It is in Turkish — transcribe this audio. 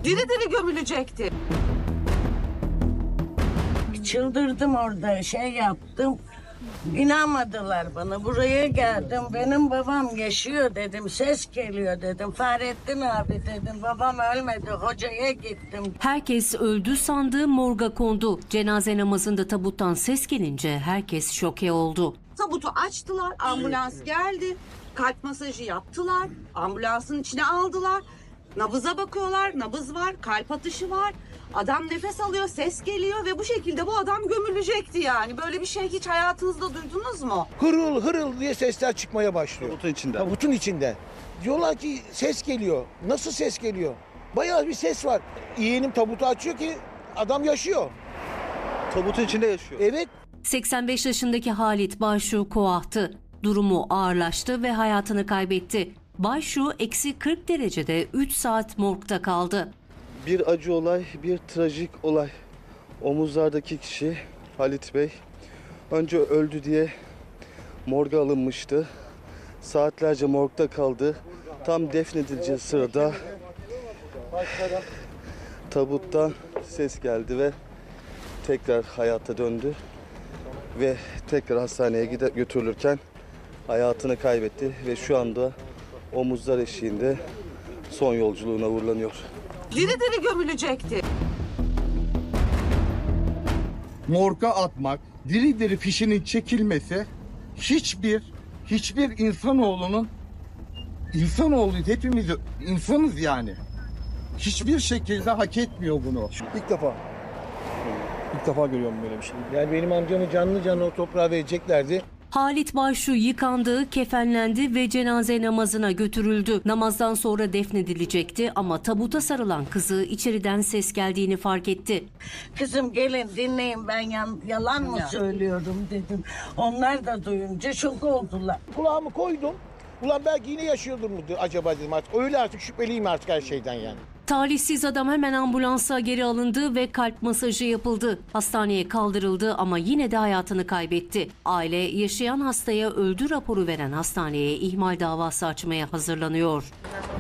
Diri diri gömülecekti. Çıldırdım orada, şey yaptım. İnanmadılar bana. Buraya geldim. Benim babam yaşıyor dedim. Ses geliyor dedim. Fahrettin abi dedim. Babam ölmedi. Hocaya gittim. Herkes öldü sandığı morga kondu. Cenaze namazında tabuttan ses gelince herkes şoke oldu. Tabutu açtılar, ambulans geldi. Kalp masajı yaptılar, ambulansın içine aldılar. Nabıza bakıyorlar, nabız var, kalp atışı var. Adam nefes alıyor, ses geliyor ve bu şekilde bu adam gömülecekti yani. Böyle bir şey hiç hayatınızda duydunuz mu? Hırıl hırıl diye sesler çıkmaya başlıyor. Tabutun içinde. Tabutun içinde. Diyorlar ki ses geliyor. Nasıl ses geliyor? Bayağı bir ses var. Yeğenim tabutu açıyor ki adam yaşıyor. Tabutun içinde yaşıyor. Evet. 85 yaşındaki Halit Başu koahtı. Durumu ağırlaştı ve hayatını kaybetti. Başu eksi 40 derecede 3 saat morgda kaldı. Bir acı olay, bir trajik olay. Omuzlardaki kişi Halit Bey önce öldü diye morga alınmıştı. Saatlerce morgda kaldı. Tam defnedileceği sırada tabuttan ses geldi ve tekrar hayata döndü. Ve tekrar hastaneye götürülürken hayatını kaybetti ve şu anda omuzlar eşiğinde son yolculuğuna uğurlanıyor. Diri diri gömülecekti. Morga atmak, diri diri fişinin çekilmesi hiçbir insanoğlu hepimiz insanız yani. Hiçbir şekilde hak etmiyor bunu. İlk defa. İlk defa görüyorum böyle bir şey. Yani benim amcamı canlı canlı o toprağa vereceklerdi. Halit Başu yıkandı, kefenlendi ve cenaze namazına götürüldü. Namazdan sonra defnedilecekti ama tabuta sarılan kızı içeriden ses geldiğini fark etti. Kızım gelin dinleyin ben yalan mı söylüyorum dedim. Onlar da duyunca şok oldular. Kulağımı koydum. Ulan belki yine yaşıyordur mu acaba dedim artık. Öyle artık şüpheliyim artık her şeyden yani. Talihsiz adam hemen ambulansa geri alındı ve kalp masajı yapıldı. Hastaneye kaldırıldı ama yine de hayatını kaybetti. Aile yaşayan hastaya öldü raporu veren hastaneye ihmal davası açmaya hazırlanıyor.